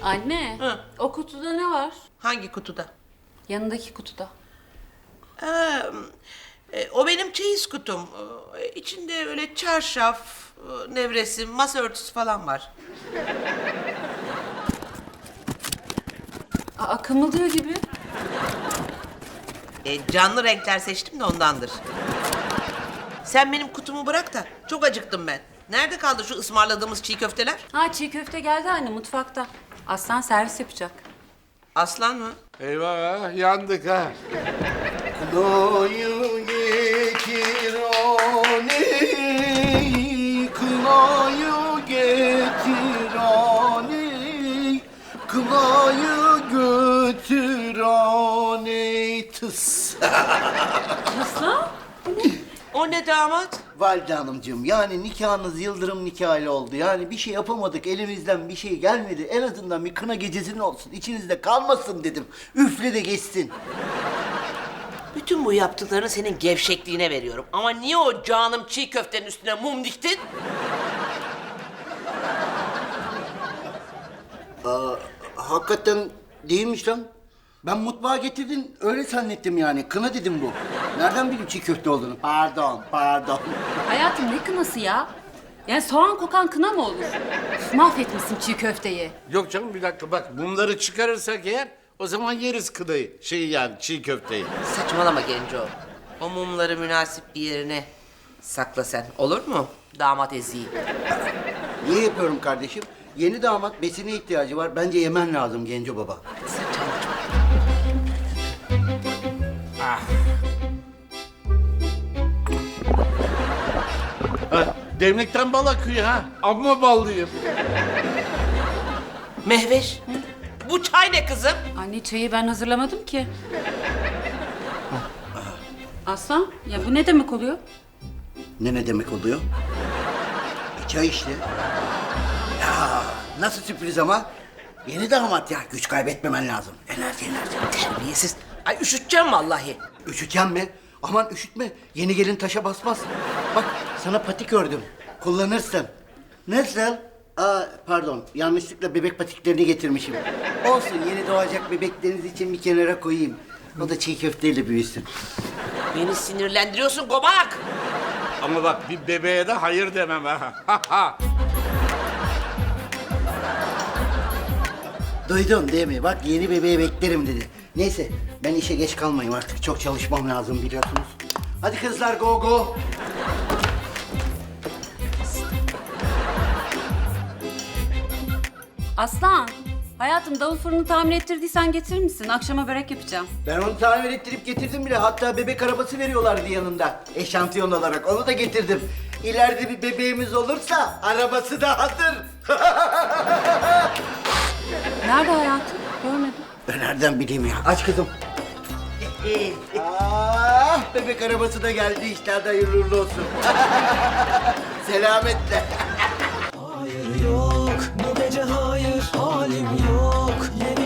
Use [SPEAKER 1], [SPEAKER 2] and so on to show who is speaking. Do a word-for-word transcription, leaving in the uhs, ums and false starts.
[SPEAKER 1] Anne,
[SPEAKER 2] Hı.
[SPEAKER 1] o kutuda ne var?
[SPEAKER 2] Hangi kutuda?
[SPEAKER 1] Yanındaki kutuda.
[SPEAKER 2] Ee, e, o benim çeyiz kutum. Ee, İçinde öyle çarşaf, e, nevresim, masa örtüsü falan var.
[SPEAKER 1] Aa, kımıldıyor gibi.
[SPEAKER 2] E, canlı renkler seçtim de ondandır. Sen benim kutumu bırak da çok acıktım ben. Nerede kaldı şu ısmarladığımız çiğ köfteler?
[SPEAKER 1] Ha, çiğ köfte geldi anne mutfakta. Aslan servis yapacak.
[SPEAKER 2] Aslan mı?
[SPEAKER 3] Eyvah yandık ha.
[SPEAKER 4] Kınayı getir aney, kınayı getir aney, kınayı götür aney tıs.
[SPEAKER 1] Aslan?
[SPEAKER 2] O ne damat?
[SPEAKER 4] Valide hanımcığım, yani nikahınız yıldırım nikahıyla oldu. Yani bir şey yapamadık, elimizden bir şey gelmedi. En azından bir kına gecesinin olsun, içinizde kalmasın dedim. Üfle de geçsin.
[SPEAKER 2] Bütün bu yaptıklarını senin gevşekliğine veriyorum. Ama niye o canım çiğ köftenin üstüne mum diktin?
[SPEAKER 4] Hakikaten değilmiş lan. Ben mutfağa getirdin, öyle zannettim yani. Kına dedim bu. Nereden bileyim çiğ köfte olduğunu? Pardon, pardon.
[SPEAKER 1] Hayatım ne kınası ya? Yani soğan kokan kına mı olur? Üf, mahvetmişsin çiğ köfteyi.
[SPEAKER 3] Yok canım bir dakika bak bunları çıkarırsak eğer o zaman yeriz kınayı. Şeyi yani çiğ köfteyi.
[SPEAKER 2] Saçmalama Genco. O mumları münasip bir yerine sakla sen. Olur mu? Damat eziği.
[SPEAKER 4] Niye yapıyorum kardeşim? Yeni damat besine ihtiyacı var. Bence yemen lazım Genco baba.
[SPEAKER 3] Ha, demlikten bal akıyor ha. Amma ballıyım.
[SPEAKER 2] Mehveş. Bu çay ne kızım?
[SPEAKER 1] Anne çayı ben hazırlamadım ki. Aslan ya bu ne demek oluyor?
[SPEAKER 4] Ne ne demek oluyor? E, çay işte. Ya nasıl sürpriz ama? Yeni damat ya. Güç kaybetmemen lazım. Enerji enerji.
[SPEAKER 2] Terbiyesiz. Ay üşüteceğim vallahi.
[SPEAKER 4] Üşüteceğim mi? Aman üşütme. Yeni gelin taşa basmaz. Bak sana patik ördüm. Kullanırsın. Nasıl? Aa pardon. Yanlışlıkla bebek patiklerini getirmişim. Olsun yeni doğacak bebekleriniz için bir kenara koyayım. O da çiğ köfteyle büyüsün.
[SPEAKER 2] Beni sinirlendiriyorsun gomak.
[SPEAKER 3] Ama bak bir bebeğe de hayır demem ha.
[SPEAKER 4] Duydun değil mi? Bak yeni bebeği beklerim dedi. Neyse ben işe geç kalmayayım artık. Çok çalışmam lazım biliyorsunuz. Hadi kızlar go go.
[SPEAKER 1] Aslan, hayatım davul fırını tamir ettirdiysen getirir misin? Akşama börek yapacağım.
[SPEAKER 4] Ben onu tamir ettirip getirdim bile. Hatta bebek arabası veriyorlardı yanında. Eşantiyon olarak. Onu da getirdim. İleride bir bebeğimiz olursa arabası da hazır.
[SPEAKER 1] Nerede hayatım? Görmedim.
[SPEAKER 4] Ben nereden bileyim ya? Aç kızım. ah, bebek arabası da geldi işte. Hadi hayırlı uğurlu olsun. Selametle.
[SPEAKER 5] Hayır yok, bu gece hayır, halim yok. Yeni